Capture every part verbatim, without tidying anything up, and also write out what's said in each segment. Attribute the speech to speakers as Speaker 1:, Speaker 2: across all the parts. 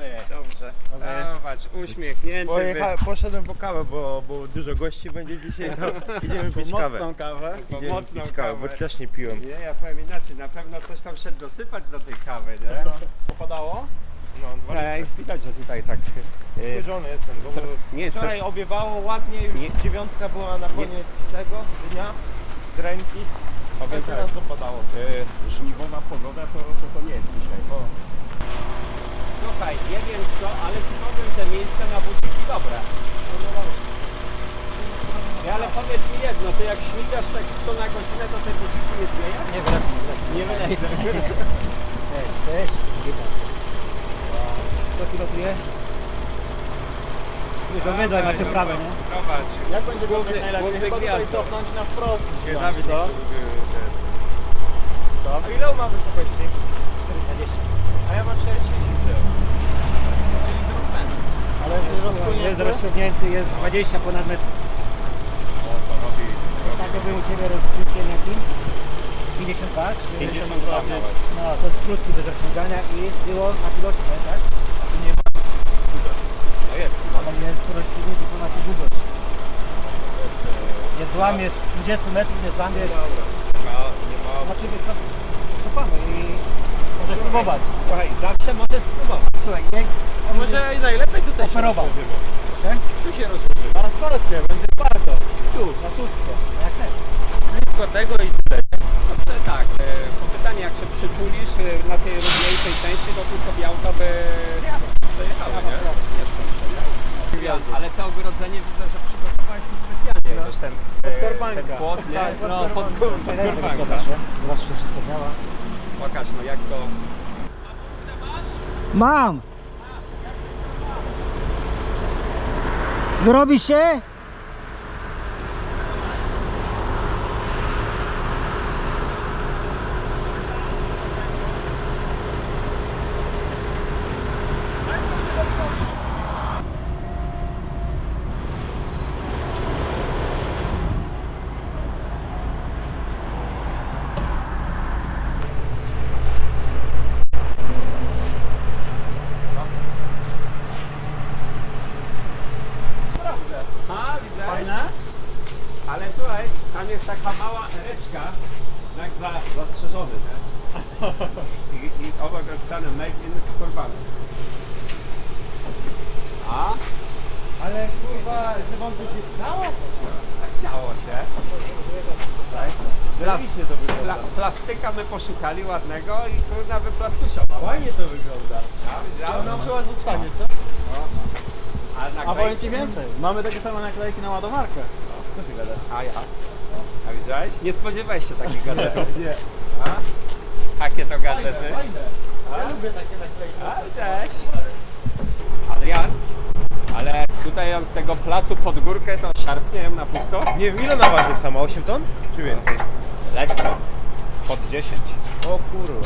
Speaker 1: Dobry.
Speaker 2: Dobrze.
Speaker 1: Zobacz, uśmiechnięty.
Speaker 2: Pojecha, poszedłem po kawę, bo, bo dużo gości będzie dzisiaj, to idziemy pić kawę.
Speaker 1: Mocną kawę.
Speaker 2: Idziemy
Speaker 1: Mocną
Speaker 2: pić kawę, bo też nie piłem.
Speaker 1: Nie, ja powiem inaczej, na pewno coś tam szedł dosypać do tej kawy, nie?
Speaker 2: Popadało? No, dwa
Speaker 1: Ej,
Speaker 2: litry.
Speaker 1: widać, że tutaj tak... Yy,
Speaker 2: Wkurzony jestem, bo
Speaker 1: nie jest to...
Speaker 2: wczoraj obiewało ładnie, już
Speaker 1: Nie.
Speaker 2: dziewiątka była na koniec tego dnia, z ręki, a
Speaker 1: Powiem
Speaker 2: teraz
Speaker 1: tak.
Speaker 2: dopadało.
Speaker 1: Yy, żniwowa pogoda to, to, to nie jest dzisiaj.
Speaker 2: O.
Speaker 1: Słuchaj, nie wiem co, ale ci powiem, że miejsce na buciki dobre. Ja, ale powiedz mi jedno, ty jak śmigasz tak sto na godzinę, to te buciki nie zmienia?
Speaker 3: Nie wracam,
Speaker 1: Nie wylecę.
Speaker 3: Cześć, cześć. Witam. Kto pilotuje? Już o wydaj macie prawe, nie?
Speaker 1: Zobacz.
Speaker 2: Jak będzie
Speaker 1: Główny-
Speaker 2: główny, najlepiej?
Speaker 1: główny
Speaker 2: Chyba tutaj
Speaker 1: gwiazdo.
Speaker 2: cofnąć na wprost.
Speaker 1: Nie,
Speaker 2: Dawid,
Speaker 1: to?
Speaker 2: Co? A ile on ma wysokości?
Speaker 3: cztery dwadzieścia.
Speaker 2: A ja mam cztery trzydzieści. Czyli z rozpędu. Ale jest
Speaker 3: Jest
Speaker 2: rozsunięty?
Speaker 3: rozciągnięty, jest dwadzieścia ponad metr.
Speaker 1: O, to robi...
Speaker 3: Ostatnio był u Ciebie rozciągnięty jaki? pięćdziesiąt dwa? czy-
Speaker 2: pięćdziesiąt dwa nawet.
Speaker 3: No, to jest krótki bez rozciągania i było na pilocie, pamiętasz?
Speaker 2: A tu nie ma?
Speaker 1: No jest.
Speaker 3: Ale jest rozciągnięty ponad długość. Nie złamiesz, dwadzieścia metrów nie złamiesz.
Speaker 1: Nie ma, nie ma...
Speaker 3: Znaczy wiesz co, cofamy i możesz spróbować.
Speaker 1: Słuchaj, zawsze możesz spróbować.
Speaker 3: Słuchaj, jak
Speaker 2: A może i najlepiej tutaj się
Speaker 3: operował.
Speaker 2: rozłożymy.
Speaker 3: Proszę?
Speaker 2: Tu się rozłożymy. A sprawdźcie, będzie twardo. Tu, na szóstkę.
Speaker 3: Jak chcesz.
Speaker 2: Blisko tego i tyle.
Speaker 1: Dobrze, tak. e, Po pytaniu, jak się przytulisz e, na tej równiejszej części, to tu sobie auto by przejechało, nie? Jeszcze muszę, ale to ogrodzenie widzę, że przygotowałeś tu specjalnie. No. Ten,
Speaker 2: Pod
Speaker 1: e,
Speaker 2: korbanka.
Speaker 1: ten płot, nie?
Speaker 2: Tak, pod
Speaker 1: No, pod,
Speaker 2: korbanka.
Speaker 1: pod korbanka.
Speaker 3: Zobaczcie, to wszystko działa.
Speaker 1: Pokaż, no jak to...
Speaker 3: Mam! Wyrobi się?
Speaker 1: A, widzę. Ale słuchaj, tam jest taka mała ereczka, znak za, zastrzeżony, nie? I, i obok napisane made in Korwany. A?
Speaker 2: Ale kurwa, że wam to się stało?
Speaker 1: Tak działo się. Tak. Pla,
Speaker 2: Zajebiście to
Speaker 1: pla,
Speaker 2: wygląda.
Speaker 1: plastyka my poszukali ładnego i kurna wyplastusiował.
Speaker 2: Ładnie to wygląda.
Speaker 1: Ja widziałem.
Speaker 2: Ona chyba zostanie, co?
Speaker 1: A,
Speaker 2: A
Speaker 1: naklejki-
Speaker 2: powiem ci więcej, mamy takie same naklejki na ładomarkę. Co ty gadasz?
Speaker 1: A ja. A widziałeś? Nie spodziewałeś się takich gadżetów.
Speaker 2: Nie.
Speaker 1: A? Jakie to gadżety?
Speaker 2: Fajne. Ja lubię takie naklejki.
Speaker 1: A, cześć. Adrian, ale tutaj on z tego placu pod górkę to szarpnie na pusto?
Speaker 2: Nie wiem, ile ona waży sama? osiem ton? Czy więcej?
Speaker 1: Lekko. Pod dziesięć.
Speaker 2: O kurwa.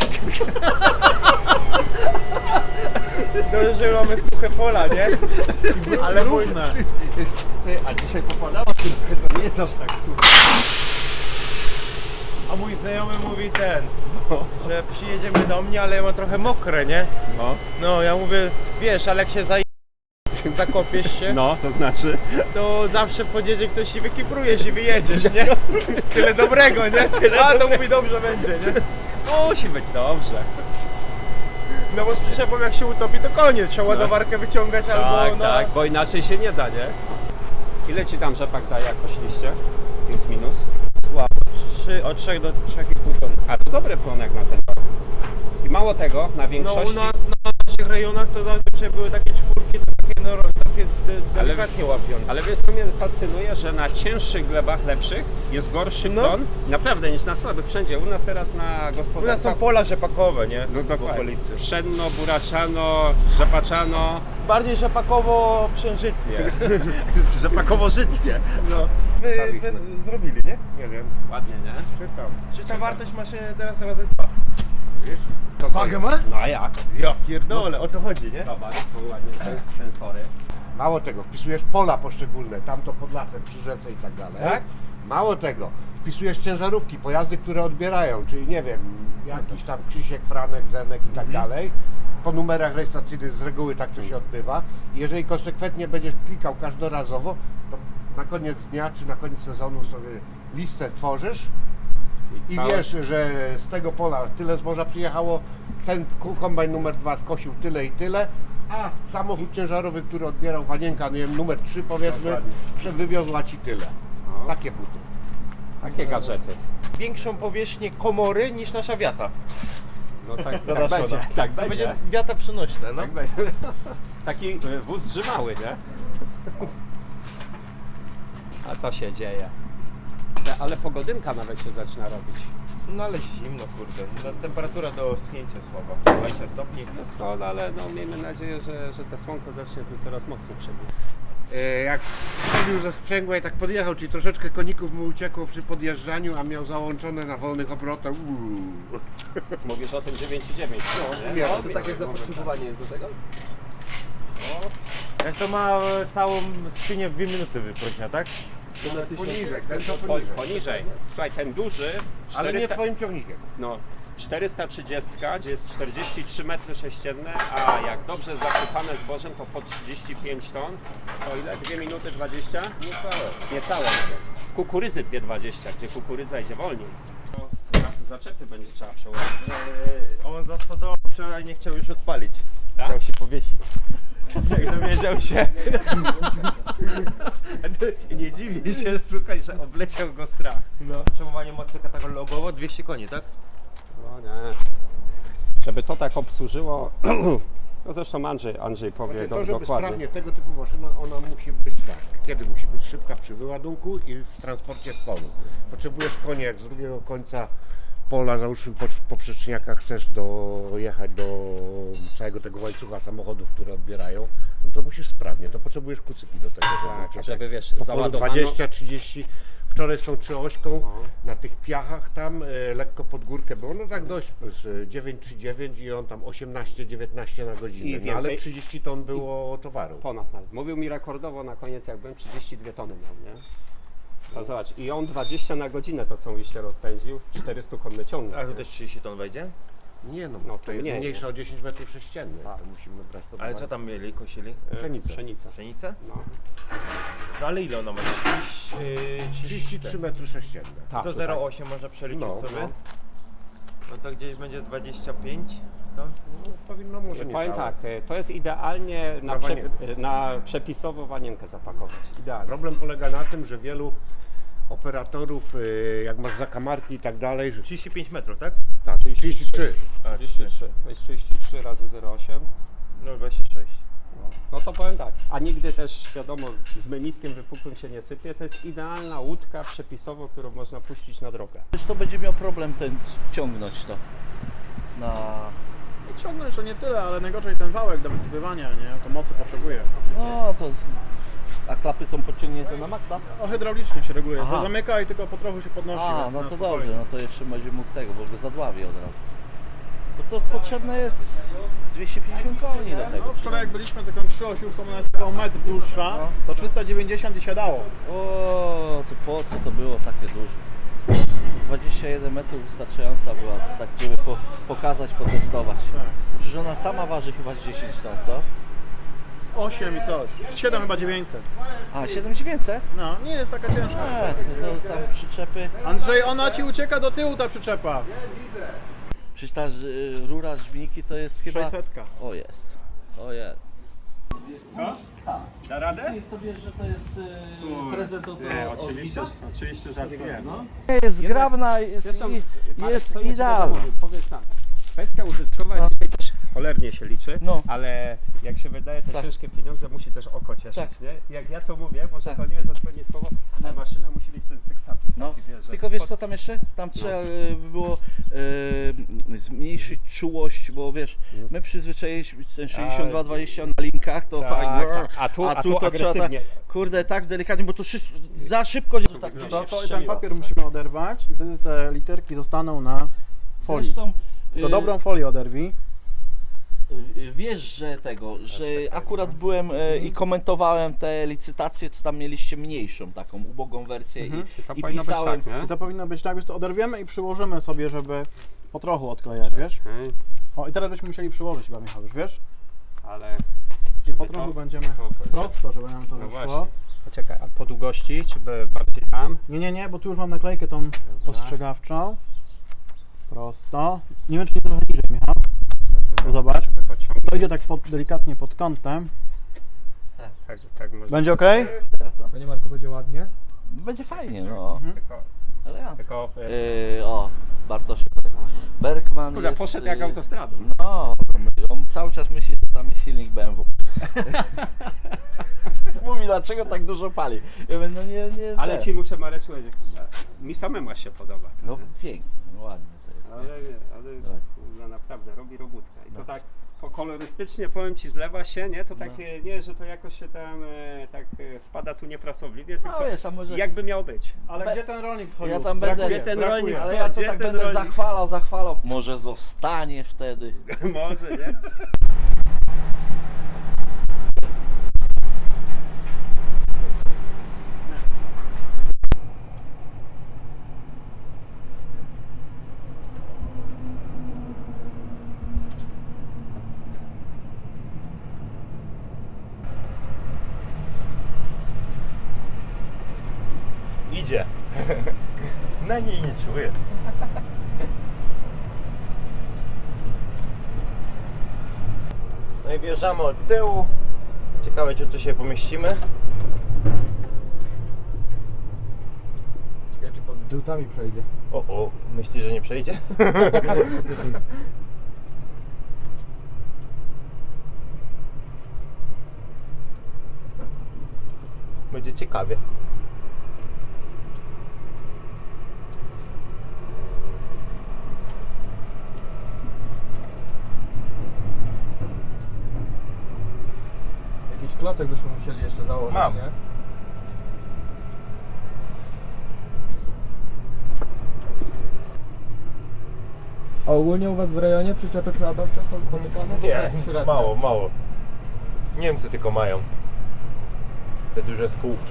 Speaker 2: Dobrze, że mamy suche pola, nie? Ale równe.
Speaker 1: A dzisiaj popadało trochę, to nie jest aż tak super.
Speaker 2: A mój znajomy mówi ten, że przyjedziemy do mnie, ale ja mam trochę mokre, nie?
Speaker 1: No,
Speaker 2: No, ja mówię, wiesz, ale jak się zaj... zakopiesz się,
Speaker 1: no to znaczy?
Speaker 2: to zawsze podjedzie ktoś i wykiprujesz i wyjedziesz, nie? Tyle dobrego, nie? A, to mówi dobrze będzie, nie?
Speaker 1: Musi być dobrze.
Speaker 2: No bo z przyczepą jak się utopi, to koniec, trzeba ładowarkę wyciągać albo
Speaker 1: Tak,
Speaker 2: no...
Speaker 1: tak, bo inaczej się nie da, nie? Ile ci tam rzepak daje, jak poszliście? Plus minus?
Speaker 2: Trzy, od trzech do trzech i pół ton.
Speaker 1: A to dobry płonek na ten rok. I mało tego, na
Speaker 2: No
Speaker 1: większości...
Speaker 2: u nas na naszych rejonach to zazwyczaj były takie czwórki, to takie, no, takie de, delikatnie łapiące.
Speaker 1: Ale wiesz co mnie fascynuje, że na cięższych glebach lepszych jest gorszy
Speaker 2: No.
Speaker 1: plon, naprawdę niż na słabych wszędzie. U nas teraz na
Speaker 2: U nas
Speaker 1: gospodarce...
Speaker 2: są pola rzepakowe, nie?
Speaker 1: No
Speaker 2: W
Speaker 1: dokładnie.
Speaker 2: okolicy.
Speaker 1: Pszenno, buraczano, rzepaczano,
Speaker 2: Bardziej rzepakowo przężytnie.
Speaker 1: rzepakowo-żytnie.
Speaker 2: No. Wy, wy zrobili, nie? Nie wiem.
Speaker 1: Ładnie, nie?
Speaker 2: Czytam. Czy ta wartość maszyny teraz razy dwa? Wiesz?
Speaker 1: To
Speaker 2: Wagę ma?
Speaker 1: No a jak?
Speaker 2: Ja pierdolę, o to chodzi, nie?
Speaker 1: Zobacz, tu ładnie sen- sensory.
Speaker 4: Mało tego, wpisujesz pola poszczególne, tamto pod lasem, przy rzece i tak dalej.
Speaker 2: Tak?
Speaker 4: Mało tego, wpisujesz ciężarówki, pojazdy, które odbierają, czyli nie wiem, jakiś tam Krzysiek, Franek, Zenek i tak dalej. Po numerach rejestracyjnych z reguły tak to się odbywa. I jeżeli konsekwentnie będziesz klikał każdorazowo, to na koniec dnia czy na koniec sezonu sobie listę tworzysz i
Speaker 1: całe-
Speaker 4: wiesz, że z tego pola tyle zboża przyjechało, ten kombajn numer dwa skosił tyle i tyle, a samochód ciężarowy, który odbierał wanienka, nie wiem, numer trzy powiedzmy,
Speaker 1: Dokładnie.
Speaker 4: wywiozła ci tyle.
Speaker 1: No.
Speaker 4: Takie buty.
Speaker 1: Takie gadżety.
Speaker 2: Większą powierzchnię komory niż nasza wiata.
Speaker 1: No tak, tak
Speaker 2: Zadaszona.
Speaker 1: będzie, tak
Speaker 2: To
Speaker 1: będzie.
Speaker 2: będzie wiata przenośne, no.
Speaker 1: Tak będzie. Taki y, wóz zżymały, nie? A to się dzieje. Te- Ale pogodynka nawet się zaczyna robić.
Speaker 2: No ale zimno, kurde. No, temperatura do schnięcia słaba. dwadzieścia stopni.
Speaker 1: Jest sol, ale no, miejmy nadzieję, że, że te słonko zacznie tu coraz mocniej przebijać.
Speaker 4: E, Jak strzelił ze sprzęgła i tak podjechał, czyli troszeczkę koników mu uciekło przy podjeżdżaniu, a miał załączone na wolnych obrotach. Uuu.
Speaker 1: Mówisz o tym dziewięć dziewięć, no,
Speaker 4: nie,
Speaker 1: no,
Speaker 4: to
Speaker 1: takie zapotrzebowanie jest do tego?
Speaker 2: Jak to ma e, całą skrzynię w dwie minuty wyprośnia, tak?
Speaker 4: Poniżej, ten to
Speaker 1: Po,
Speaker 4: poniżej.
Speaker 1: poniżej. Słuchaj, ten duży,
Speaker 4: Ale nie
Speaker 1: czterysta
Speaker 4: twoim ciągnikiem.
Speaker 1: no, czterysta trzydzieści, gdzie jest czterdzieści trzy metry sześcienne, a jak dobrze zasypane zbożem, to po trzydzieści pięć ton, to ile? dwie minuty dwadzieścia?
Speaker 4: Niecałe.
Speaker 1: Niecałe nawet. Kukurydzy dwie dwadzieścia, gdzie kukurydza idzie wolniej. Zaczepy będzie trzeba przełożyć.
Speaker 2: E, on zasadował wczoraj, nie chciał już odpalić.
Speaker 1: Tak?
Speaker 2: Chciał się powiesić. Jak dowiedział się.
Speaker 1: Nie dziwię się, słuchaj, że obleciał go strach.
Speaker 2: No. Przemowanie mocy katalogowo dwieście koni, tak?
Speaker 1: No nie. Żeby to tak obsłużyło, no zresztą Andrzej, Andrzej powie
Speaker 4: To,
Speaker 1: do,
Speaker 4: żeby
Speaker 1: dokładnie.
Speaker 4: sprawnie tego typu maszyna, ona musi być tak. Kiedy musi być? Szybka przy wyładunku i w transporcie w polu. Potrzebujesz konia, jak z drugiego końca pola, załóżmy po, po przyczniakach chcesz dojechać do całego tego łańcucha samochodów, które odbierają, no to musisz sprawnie, to potrzebujesz kucyki do tego, żeby,
Speaker 1: Tak,
Speaker 4: cię
Speaker 1: żeby wiesz,
Speaker 4: po polu
Speaker 1: załadowano.
Speaker 4: dwadzieścia trzydzieści. Wczoraj z tą trzyośką
Speaker 1: No.
Speaker 4: na tych piachach tam e, lekko pod górkę było, no tak dość, z dziewięć trzydzieści dziewięć i on tam osiemnaście dziewiętnaście na godzinę,
Speaker 1: I
Speaker 4: no, ale
Speaker 1: więcej-
Speaker 4: trzydzieści ton było towaru.
Speaker 1: Ponad nawet. Mówił mi rekordowo na koniec, jak byłem trzydzieści dwie tony miał, nie? No zobacz, i on dwadzieścia na godzinę to co się rozpędził, czterysta konny ciągnik.
Speaker 2: A tu
Speaker 1: nie?
Speaker 2: też trzydzieści ton wejdzie?
Speaker 4: Nie no,
Speaker 1: No
Speaker 4: to
Speaker 1: to
Speaker 4: jest
Speaker 1: mniej,
Speaker 4: mniejsza
Speaker 1: nie?
Speaker 4: o dziesięć metrów sześciennych,
Speaker 1: Tak.
Speaker 4: to musimy brać pod
Speaker 2: Ale
Speaker 4: uwagę.
Speaker 2: co tam mieli, kosili?
Speaker 4: Pszenicę.
Speaker 1: Pszenica.
Speaker 2: Pszenicę?
Speaker 1: No.
Speaker 2: No ale ile ona ma?
Speaker 4: trzydzieści trzy metry sześcienne.
Speaker 1: Tak,
Speaker 2: To
Speaker 1: to
Speaker 2: zero
Speaker 1: tak.
Speaker 2: osiem można przeliczyć
Speaker 4: No,
Speaker 2: sobie?
Speaker 1: no.
Speaker 2: No to gdzieś będzie dwadzieścia pięć ton?
Speaker 4: No, powinno może nie
Speaker 1: Powiem
Speaker 4: całe.
Speaker 1: tak, y, to jest idealnie na,
Speaker 4: Na
Speaker 1: prze,
Speaker 4: wanienkę.
Speaker 1: y, na przepisowo wanienkę zapakować. Idealnie.
Speaker 4: Problem polega na tym, że wielu operatorów, y, jak masz zakamarki i tak dalej, że
Speaker 2: trzydzieści pięć metrów, tak?
Speaker 4: tak, trzydzieści trzy.
Speaker 2: A,
Speaker 1: trzydzieści trzy. To jest trzydzieści trzy razy zero przecinek osiem.
Speaker 2: No dwadzieścia sześć.
Speaker 1: No to powiem tak, a nigdy też wiadomo z meniskiem wypukłym się nie sypie, to jest idealna łódka przepisowo, którą można puścić na drogę.
Speaker 5: to będzie miał problem ten ciągnąć to na...
Speaker 6: I ciągnąć to nie tyle, ale najgorzej ten wałek do wysypywania, nie? To mocy potrzebuje.
Speaker 5: No to... A klapy są podciągnięte na maksa?
Speaker 6: No hydraulicznie się reguluje.
Speaker 5: Aha.
Speaker 6: To zamyka i tylko po trochu się podnosi.
Speaker 5: A,
Speaker 6: więc
Speaker 5: no
Speaker 6: na
Speaker 5: to
Speaker 6: spokojnie.
Speaker 5: dobrze, no to jeszcze będzie mógł tego, bo go zadławi od razu. Bo to potrzebne jest z dwieście pięćdziesiąt koni do tego.
Speaker 6: No, wczoraj jak byliśmy taką trzyosiówką, ona jest około metr dłuższa, to trzysta dziewięćdziesiąt i siadało.
Speaker 5: O, to po co to było takie duże? dwadzieścia jeden metrów wystarczająca była, tak żeby po, pokazać, potestować. Przecież ona sama waży chyba z dziesięć ton, co?
Speaker 6: osiem i coś. siedem chyba dziewięćset.
Speaker 5: A, siedem dziewięćset?
Speaker 6: No, nie jest taka ciężka.
Speaker 5: E, to tam przyczepy.
Speaker 6: Andrzej, ona ci ucieka do tyłu ta przyczepa.
Speaker 5: Przecież ta y, rura żbiki to jest chyba...
Speaker 6: sześćsetka.
Speaker 5: O jest, o jest.
Speaker 1: Co? Da radę?
Speaker 5: To wiesz, że to jest y, prezent od,
Speaker 1: Nie,
Speaker 5: od
Speaker 1: oczywiście,
Speaker 5: Wika?
Speaker 1: oczywiście żartuję. No.
Speaker 5: Jest grabna, jest,
Speaker 1: Zresztą,
Speaker 5: i,
Speaker 1: ale
Speaker 5: jest
Speaker 1: co ja ci
Speaker 5: idealna.
Speaker 1: będę mówił, Powiedz nam, kwestia użytkowa dzisiaj też cholernie się liczy,
Speaker 5: No.
Speaker 1: ale jak się wydaje te
Speaker 5: Tak.
Speaker 1: ciężkie pieniądze musi też oko cieszyć,
Speaker 5: Tak.
Speaker 1: nie? Jak ja to mówię, może
Speaker 5: Tak.
Speaker 1: to nie jest odpowiednie słowo, ale maszyna musi mieć ten seksatyw.
Speaker 5: No.
Speaker 1: taki, wiesz, że
Speaker 5: Tylko wiesz
Speaker 1: pod-
Speaker 5: co tam jeszcze? Tam trzeba y, by było y, zmniejszyć czułość, bo wiesz, my przyzwyczailiśmy ten sześćdziesiąt dwa dwadzieścia na linkach, to
Speaker 1: Tak,
Speaker 5: fajnie.
Speaker 1: tak. A tu- a tu
Speaker 5: to trzeba
Speaker 1: agresywnie.
Speaker 5: tak, kurde, tak delikatnie, bo to szy, za szybko tak gdzieś
Speaker 6: To,
Speaker 5: się
Speaker 6: to i ten
Speaker 5: strzeliło.
Speaker 6: papier musimy oderwać i wtedy te literki zostaną na folii.
Speaker 5: Zresztą,
Speaker 6: Tylko
Speaker 5: y,
Speaker 6: dobrą folię oderwij.
Speaker 5: Y, Wiesz, że tego, że akurat byłem e, i komentowałem te licytacje, co tam mieliście mniejszą, taką ubogą wersję
Speaker 6: Mhm.
Speaker 5: i,
Speaker 1: To
Speaker 5: i
Speaker 1: powinno być
Speaker 5: pisałem.
Speaker 1: tak, nie?
Speaker 6: I to powinno być tak, więc to oderwiemy i przyłożymy sobie, żeby po trochu odklejać, wiesz?
Speaker 1: Okej,
Speaker 6: O, i teraz byśmy musieli przyłożyć chyba, Michał, już wiesz?
Speaker 1: ale...
Speaker 6: I po
Speaker 1: to-
Speaker 6: trochu będziemy
Speaker 1: to-
Speaker 6: prosto, żeby nam to
Speaker 1: No
Speaker 6: wyszło.
Speaker 1: właśnie. Poczekaj, a po długości, czy by bardziej tam?
Speaker 6: Nie, nie, nie, bo tu już mam naklejkę tą ostrzegawczą. Prosto. Nie wiem, czy nie trochę niżej, Michał. To zobacz. To idzie tak pod, delikatnie pod kątem.
Speaker 1: Tak, tak może.
Speaker 6: Będzie ok?
Speaker 5: Teraz, no.
Speaker 3: Panie Marku, będzie ładnie?
Speaker 5: Będzie fajnie, no.
Speaker 1: Tylko,
Speaker 5: Elegancko.
Speaker 1: tylko e,
Speaker 5: Yy, o, Bartosz Bergman
Speaker 1: kurde,
Speaker 5: jest...
Speaker 1: poszedł jak
Speaker 5: y,
Speaker 1: autostradą.
Speaker 5: No, on cały czas myśli, że tam jest silnik B M W. Mówi, dlaczego tak dużo pali. Ja mówię, no nie, nie.
Speaker 1: Ale
Speaker 5: te.
Speaker 1: ci muszę, Mareczku, mi samemu się podoba.
Speaker 5: No pięknie, no ładnie to jest.
Speaker 1: Ale,
Speaker 5: nie?
Speaker 1: nie, ale
Speaker 5: Dawaj.
Speaker 1: kurde, naprawdę robi robótkę. I to
Speaker 5: No.
Speaker 1: tak po kolorystycznie, powiem ci, zlewa się, nie? To tak
Speaker 5: No.
Speaker 1: e, nie, że to jakoś się tam e, tak e, wpada tu niefrasobliwie, tylko
Speaker 5: No wiesz, a może...
Speaker 1: jakby miało być.
Speaker 6: Ale
Speaker 5: Be-
Speaker 6: gdzie ten rolnik schodził?
Speaker 5: Ja tam będę-
Speaker 6: Brakuje,
Speaker 1: Gdzie ten
Speaker 6: brakuje.
Speaker 1: rolnik
Speaker 5: Ale ja to
Speaker 1: Gdzie
Speaker 5: tak
Speaker 1: ten
Speaker 5: będę
Speaker 1: rolnik?
Speaker 5: zachwalał, zachwalał. Może zostanie wtedy.
Speaker 1: Może, nie?
Speaker 2: Idzie. Na niej nie czuję. No i wjeżdżamy od tyłu. Ciekawe, czy tu się pomieścimy.
Speaker 3: Ciekawe, czy pod drutami przejdzie.
Speaker 2: O, o, myślisz, że nie przejdzie? Będzie ciekawie.
Speaker 3: Jakiś klocek byśmy musieli jeszcze założyć,
Speaker 2: Mam.
Speaker 3: nie? A ogólnie u Was w rejonie przyczepy przeładowcze są spotykane? czy
Speaker 2: Nie,
Speaker 3: tak średnio?
Speaker 2: mało, mało. Niemcy tylko mają te duże spółki.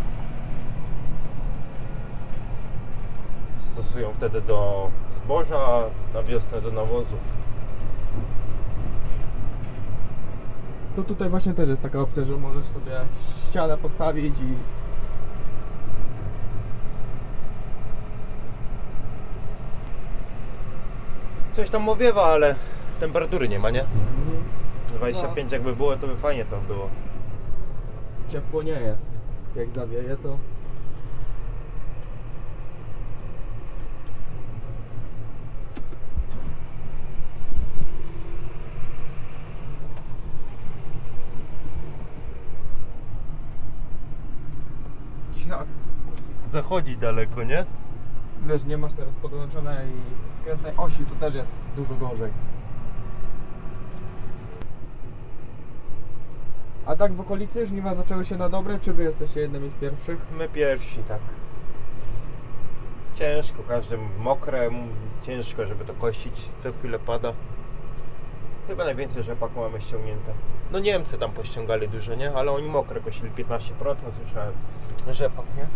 Speaker 2: Stosują wtedy do zboża, a na wiosnę do nawozów.
Speaker 3: To tutaj właśnie też jest taka opcja, że możesz sobie ścianę postawić i...
Speaker 2: Coś tam owiewa, ale temperatury nie ma, nie? dwadzieścia pięć jakby było, to by fajnie to było.
Speaker 3: Ciepło nie jest. Jak zawieje, to...
Speaker 2: Jak? Zachodzi daleko, nie?
Speaker 3: Wiesz, nie masz teraz podłączonej skrętnej osi, to też jest dużo gorzej. A tak w okolicy żniwa zaczęły się na dobre, czy Wy jesteście jednymi z pierwszych?
Speaker 2: My pierwsi, tak. Ciężko, każdy mokre, m- ciężko, żeby to kościć, co chwilę pada. Chyba najwięcej rzepaku mamy ściągnięte. No Niemcy tam pościągali dużo, nie? Ale oni mokre kosili piętnaście procent, słyszałem. Rzepak, nie?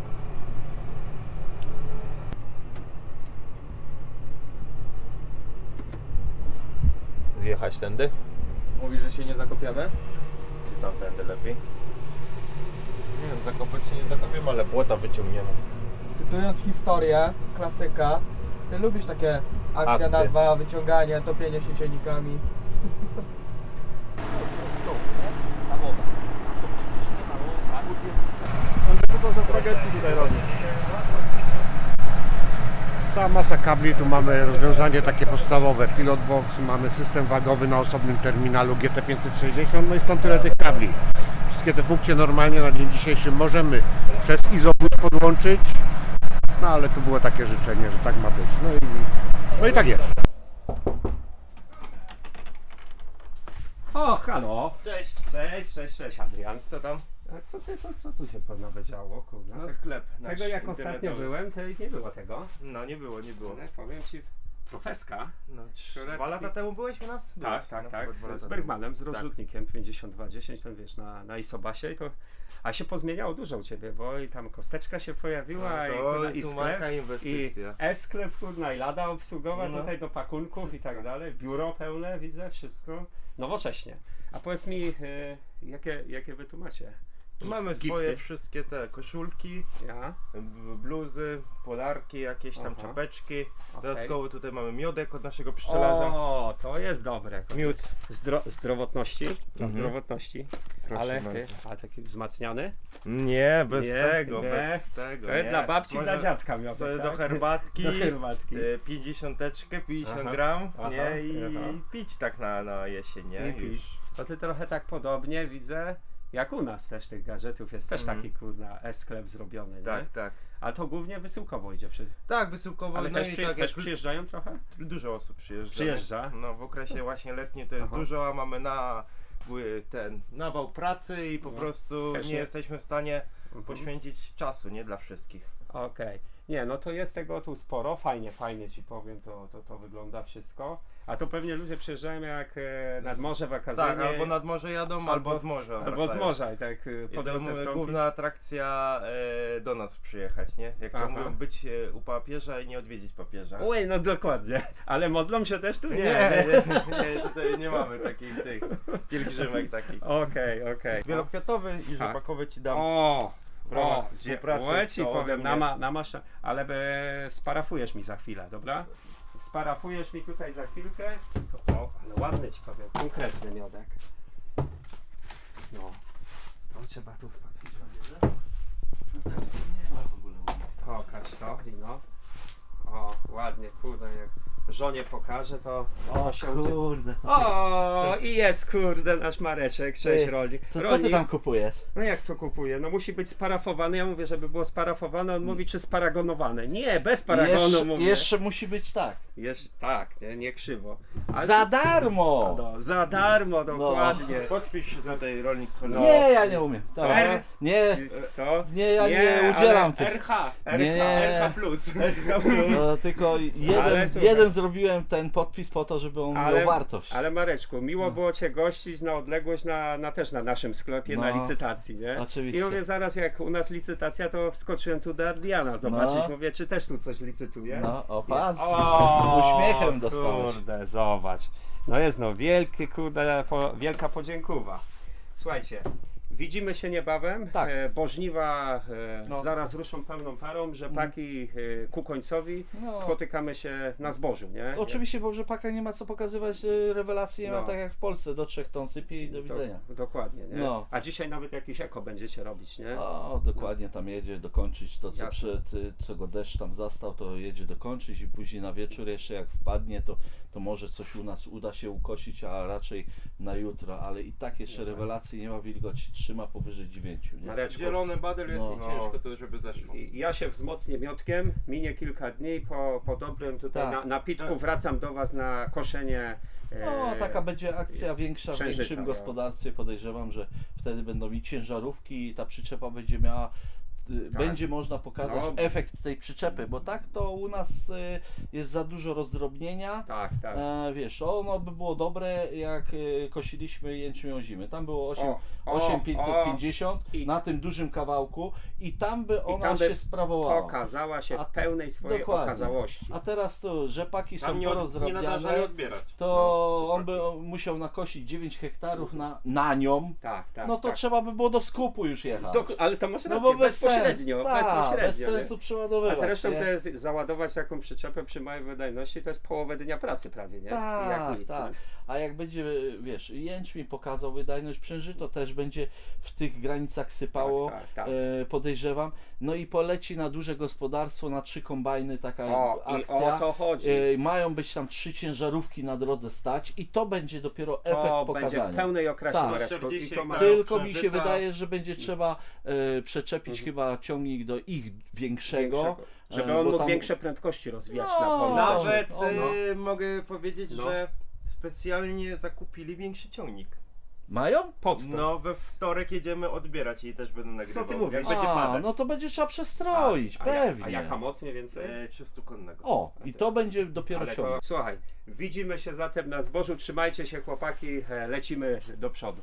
Speaker 2: Zjechać tędy?
Speaker 3: Mówi, że się nie zakopiemy?
Speaker 2: Czy tamtędy lepiej? Nie wiem, zakopać się nie zakopiemy, ale błota wyciągniemy.
Speaker 3: Cytując historię, klasyka, Ty lubisz takie akcja
Speaker 2: Akcje.
Speaker 3: na dwa, wyciąganie, topienie się ciennikami.
Speaker 6: Andrzej, co to za spaghetti tutaj robisz?
Speaker 4: Cała masa kabli, tu mamy rozwiązanie takie podstawowe, pilot box, mamy system wagowy na osobnym terminalu G T pięćset sześćdziesiąt, no i stąd tyle tych kabli. Wszystkie te funkcje normalnie na dzień dzisiejszy możemy przez izobus podłączyć, no ale tu było takie życzenie, że tak ma być, no i, no i tak jest.
Speaker 1: O, halo!
Speaker 2: Cześć!
Speaker 1: Cześć, cześć, cześć, Adrian.
Speaker 2: Co tam?
Speaker 1: A co ty, to, co tu się nawet działo, kurde?
Speaker 2: No
Speaker 1: Tak-
Speaker 2: sklep
Speaker 1: Tego
Speaker 2: nasz
Speaker 1: jak ostatnio
Speaker 2: internetowy.
Speaker 1: byłem, to nie było tego.
Speaker 2: No nie było, nie było.
Speaker 1: Ale powiem ci, Profeska.
Speaker 2: No, trzy-
Speaker 1: Które-
Speaker 2: dwa lata temu byłeś u nas? Byłeś,
Speaker 1: Tak, tak,
Speaker 2: no,
Speaker 1: tak.
Speaker 2: chyba dwa lata
Speaker 1: Z
Speaker 2: temu.
Speaker 1: Bergmanem, z
Speaker 2: Tak.
Speaker 1: rozrzutnikiem pięćdziesiąt dwa dziesięć, ten wiesz, na, na Isobasie i to. A się pozmieniało dużo u ciebie, bo i tam kosteczka się pojawiła,
Speaker 2: No,
Speaker 1: i,
Speaker 2: to
Speaker 1: kurna,
Speaker 2: jest
Speaker 1: i sklep,
Speaker 2: umarka
Speaker 1: i
Speaker 2: inwestycja.
Speaker 1: e-sklep, kurna, i lada obsługowa
Speaker 2: No.
Speaker 1: tutaj do pakunków i tak dalej. Biuro pełne, widzę, wszystko. Nowocześnie. A powiedz mi, y, jakie, jakie wy tu macie?
Speaker 2: Mamy
Speaker 1: Gifty?
Speaker 2: swoje wszystkie te koszulki,
Speaker 1: Ja?
Speaker 2: b- bluzy, polarki, jakieś tam
Speaker 1: Aha.
Speaker 2: czapeczki.
Speaker 1: Okej.
Speaker 2: Dodatkowo tutaj mamy miodek od naszego pszczelarza.
Speaker 1: O, to jest dobre.
Speaker 2: Miód.
Speaker 1: Zdro, zdrowotności, dla
Speaker 2: Mhm.
Speaker 1: zdrowotności.
Speaker 2: Proszę
Speaker 1: Ale ty,
Speaker 2: bardzo.
Speaker 1: a taki wzmacniany?
Speaker 2: Nie, bez
Speaker 1: Nie,
Speaker 2: tego,
Speaker 1: nie.
Speaker 2: bez tego.
Speaker 1: To jest
Speaker 2: nie.
Speaker 1: dla babci i
Speaker 2: Może
Speaker 1: dla dziadka miał.
Speaker 2: To
Speaker 1: tak?
Speaker 2: do herbatki,
Speaker 1: Do herbatki.
Speaker 2: e, pięćdziesiąteczkę, pięćdziesiąt
Speaker 1: Aha,
Speaker 2: gram,
Speaker 1: aha,
Speaker 2: nie? I
Speaker 1: aha.
Speaker 2: pić tak na, na jesień, nie?
Speaker 1: I pić.
Speaker 2: Już.
Speaker 1: To ty trochę tak podobnie widzę, jak u nas też tych gadżetów jest też
Speaker 2: Mhm.
Speaker 1: taki kurna e-sklep zrobiony, nie?
Speaker 2: Tak, tak.
Speaker 1: Ale to głównie wysyłkowo idzie przy...
Speaker 2: Tak, wysyłkowo,
Speaker 1: Ale
Speaker 2: no
Speaker 1: też,
Speaker 2: i
Speaker 1: przy,
Speaker 2: tak
Speaker 1: też
Speaker 2: jak
Speaker 1: przyjeżdżają trochę?
Speaker 2: dużo osób przyjeżdża.
Speaker 1: Przyjeżdża?
Speaker 2: No w okresie właśnie letnim to jest
Speaker 1: Aha.
Speaker 2: dużo, a mamy na y, ten nawał pracy i po
Speaker 1: No.
Speaker 2: prostu
Speaker 1: Też
Speaker 2: nie
Speaker 1: nie-
Speaker 2: jesteśmy w stanie
Speaker 1: Mhm.
Speaker 2: poświęcić czasu, nie dla wszystkich.
Speaker 1: Okej. Nie, no to jest tego tu sporo, fajnie, fajnie ci powiem, to, to, to wygląda wszystko. A to pewnie ludzie przyjeżdżają jak e, nad morze wakacyjnie.
Speaker 2: Tak, albo nad morze jadą, albo,
Speaker 1: Albo-
Speaker 2: z morza
Speaker 1: Albo z
Speaker 2: wracają.
Speaker 1: morza i tak e,
Speaker 2: I
Speaker 1: po
Speaker 2: to
Speaker 1: drodze
Speaker 2: mówię,
Speaker 1: wstąpić.
Speaker 2: główna atrakcja e, do nas przyjechać, nie? Jak to
Speaker 1: Aha.
Speaker 2: mówią, być e, u papieża i nie odwiedzić papieża.
Speaker 1: Oj, no dokładnie. Ale modlą się też tu? Nie.
Speaker 2: Nie, nie, nie, tutaj nie mamy takich tych pielgrzymek takich.
Speaker 1: Okej, okej.
Speaker 2: Wielokwiatowy i
Speaker 1: Tak.
Speaker 2: rzepakowy ci dam.
Speaker 1: O!
Speaker 2: w ramach
Speaker 1: O, gdzie,
Speaker 2: współpracy,
Speaker 1: o, ci
Speaker 2: to ode
Speaker 1: powiem,
Speaker 2: mnie.
Speaker 1: na, ma, na masza, ale be, sparafujesz mi za chwilę, dobra? Sparafujesz mi tutaj za chwilkę. O, ale ładny ci powiem, konkretny miodek. No, to trzeba tu pokaż to, no. O, ładnie, kurde, jak żonie pokażę, to
Speaker 5: O
Speaker 1: się udzie-
Speaker 5: kurde.
Speaker 1: O, i jest kurde nasz Mareczek, cześć
Speaker 5: Ty,
Speaker 1: Rolnik.
Speaker 5: To co
Speaker 1: Rolnik,
Speaker 5: ty tam kupujesz?
Speaker 1: no jak co kupuje? No musi być sparafowany, ja mówię, żeby było sparafowane, on mówi czy sparagonowane. Nie, bez paragonu
Speaker 5: Jeszcze,
Speaker 1: mówię.
Speaker 5: jeszcze musi być tak.
Speaker 1: Jeszcze, tak, nie, nie krzywo. Ale-
Speaker 5: Za darmo!
Speaker 1: No, za darmo, dokładnie.
Speaker 2: Podpisz się za tej rolnik z
Speaker 1: No.
Speaker 5: Nie, ja nie umiem. Dobra.
Speaker 1: R?
Speaker 5: Nie,
Speaker 1: Co?
Speaker 5: nie, ja nie, udzielam tych.
Speaker 2: R H, R H,
Speaker 5: Nie, nie.
Speaker 2: R H plus.
Speaker 5: No, tylko jeden,
Speaker 1: Ale słuchaj.
Speaker 5: jeden zrobiłem ten podpis po to, żeby on
Speaker 1: Ale-
Speaker 5: miał wartość.
Speaker 1: Ale Mareczku, miło było Cię gościć na odległość, na, na też na naszym sklepie, na
Speaker 5: No,
Speaker 1: licytacji, nie?
Speaker 5: oczywiście.
Speaker 1: I mówię, zaraz jak u nas licytacja, to wskoczyłem tu do Adriana zobaczyć,
Speaker 5: No.
Speaker 1: mówię, czy też tu coś licytuje?
Speaker 5: No, o patrz,
Speaker 1: O,
Speaker 5: uśmiechem dostałeś.
Speaker 1: Kurde, zobacz. No jest no, wielkie, kurde, po, wielka podziękuwa. Słuchajcie, widzimy się niebawem,
Speaker 5: Tak.
Speaker 1: e, bo żniwa e,
Speaker 5: No.
Speaker 1: zaraz ruszą pełną parą, rzepaki e, ku końcowi,
Speaker 5: No.
Speaker 1: spotykamy się na zbożu, nie?
Speaker 5: Oczywiście, bo w rzepakach nie ma co pokazywać, y, rewelacji nie
Speaker 1: No.
Speaker 5: ma tak jak w Polsce, do trzech ton sypie i do widzenia.
Speaker 1: Do, dokładnie, nie?
Speaker 5: No.
Speaker 1: A dzisiaj nawet jakieś eko będziecie robić, nie?
Speaker 5: O, dokładnie tam jedzie dokończyć to, co,
Speaker 1: Jasne.
Speaker 5: przed, y, co go deszcz tam zastał, to jedzie dokończyć i później na wieczór jeszcze jak wpadnie, to, to może coś u nas uda się ukosić, a raczej na jutro, ale i tak jeszcze rewelacji nie ma, wilgoć trzyma powyżej dziewięciu, nie?
Speaker 1: Mareczku,
Speaker 2: Zielony badel jest
Speaker 5: No.
Speaker 2: i ciężko to, żeby zeszło.
Speaker 1: i ja się wzmocnię miotkiem, minie kilka dni, po, po dobrym tutaj
Speaker 5: Tak.
Speaker 1: na, napitku
Speaker 2: Tak.
Speaker 1: wracam do Was na koszenie. e,
Speaker 5: No, taka będzie akcja większa w
Speaker 1: księżyca,
Speaker 5: większym
Speaker 1: no.
Speaker 5: gospodarstwie, podejrzewam, że wtedy będą i ciężarówki i ta przyczepa będzie miała, y,
Speaker 1: Tak.
Speaker 5: będzie można pokazać
Speaker 1: No.
Speaker 5: efekt tej przyczepy, bo tak to u nas y, jest za dużo rozdrobnienia.
Speaker 1: Tak, tak.
Speaker 5: E, wiesz, ono by było dobre jak y, kosiliśmy jęczmień ozimy. Tam było osiem,
Speaker 1: O, o,
Speaker 5: osiem pięćset pięćdziesiąt
Speaker 1: I-
Speaker 5: na tym dużym kawałku i tam by ona
Speaker 1: tam by
Speaker 5: się sprawowała.
Speaker 1: Okazała się
Speaker 5: A-
Speaker 1: w pełnej swojej
Speaker 5: dokładnie.
Speaker 1: okazałości.
Speaker 5: A teraz to rzepaki są
Speaker 2: Tam nie, od, nie
Speaker 5: porozdrabniane.
Speaker 2: nadarzali odbierać.
Speaker 5: To
Speaker 2: No,
Speaker 5: on by musiał nakosić dziewięć hektarów na, na nią,
Speaker 1: Tak, tak.
Speaker 5: no to
Speaker 1: tak.
Speaker 5: trzeba by było do skupu już jechać.
Speaker 1: Dok- ale to masz
Speaker 5: no
Speaker 1: rację,
Speaker 5: bo bez
Speaker 1: bezpośrednio,
Speaker 5: sensu, tak,
Speaker 1: bezpośrednio.
Speaker 5: bez
Speaker 1: nie?
Speaker 5: sensu
Speaker 1: A
Speaker 5: przeładowywać.
Speaker 1: zresztą
Speaker 5: nie?
Speaker 1: to jest, załadować taką przyczepę przy małej wydajności to jest połowę dnia pracy prawie, nie?
Speaker 5: Tak,
Speaker 1: Jak nic,
Speaker 5: tak.
Speaker 1: nie?
Speaker 5: A jak będzie, wiesz, jęczmień pokazał wydajność przężyto, też będzie w tych granicach sypało,
Speaker 1: Tak, tak, tak.
Speaker 5: E, podejrzewam. No i poleci na duże gospodarstwo, na trzy kombajny taka
Speaker 1: O, i
Speaker 5: akcja.
Speaker 1: o to chodzi.
Speaker 5: E, mają być tam trzy ciężarówki na drodze stać i to będzie dopiero efekt
Speaker 1: To
Speaker 5: pokazania.
Speaker 1: będzie w pełnej okrasie
Speaker 5: Tak.
Speaker 1: Mareczku.
Speaker 2: czterdzieści
Speaker 1: I to ma...
Speaker 2: hektarów.
Speaker 5: Tylko mi się
Speaker 2: Przężyta.
Speaker 5: wydaje, że będzie trzeba e, przeczepić
Speaker 1: Mhm.
Speaker 5: chyba ciągnik do ich większego.
Speaker 1: Większego. Żeby
Speaker 5: e,
Speaker 1: on
Speaker 5: bo
Speaker 1: mógł
Speaker 5: tam-
Speaker 1: większe prędkości rozwijać
Speaker 5: No,
Speaker 1: na polu.
Speaker 2: Nawet
Speaker 5: O, no.
Speaker 2: y, mogę powiedzieć,
Speaker 1: No.
Speaker 2: że specjalnie zakupili większy ciągnik.
Speaker 5: Mają?
Speaker 1: Pod to.
Speaker 2: No we wtorek jedziemy odbierać i też będę nagrywał.
Speaker 1: Co ty mówisz?
Speaker 2: Jak będzie
Speaker 5: A,
Speaker 2: padać.
Speaker 5: no to będzie trzeba przestroić,
Speaker 1: a,
Speaker 5: pewnie.
Speaker 1: A, jak, a jaka moc mniej więcej?
Speaker 2: E, trzysta konnego.
Speaker 5: O, i to będzie dopiero
Speaker 1: Ale to,
Speaker 5: ciągle.
Speaker 1: słuchaj, widzimy się zatem na zbożu, trzymajcie się chłopaki, e, lecimy do przodu.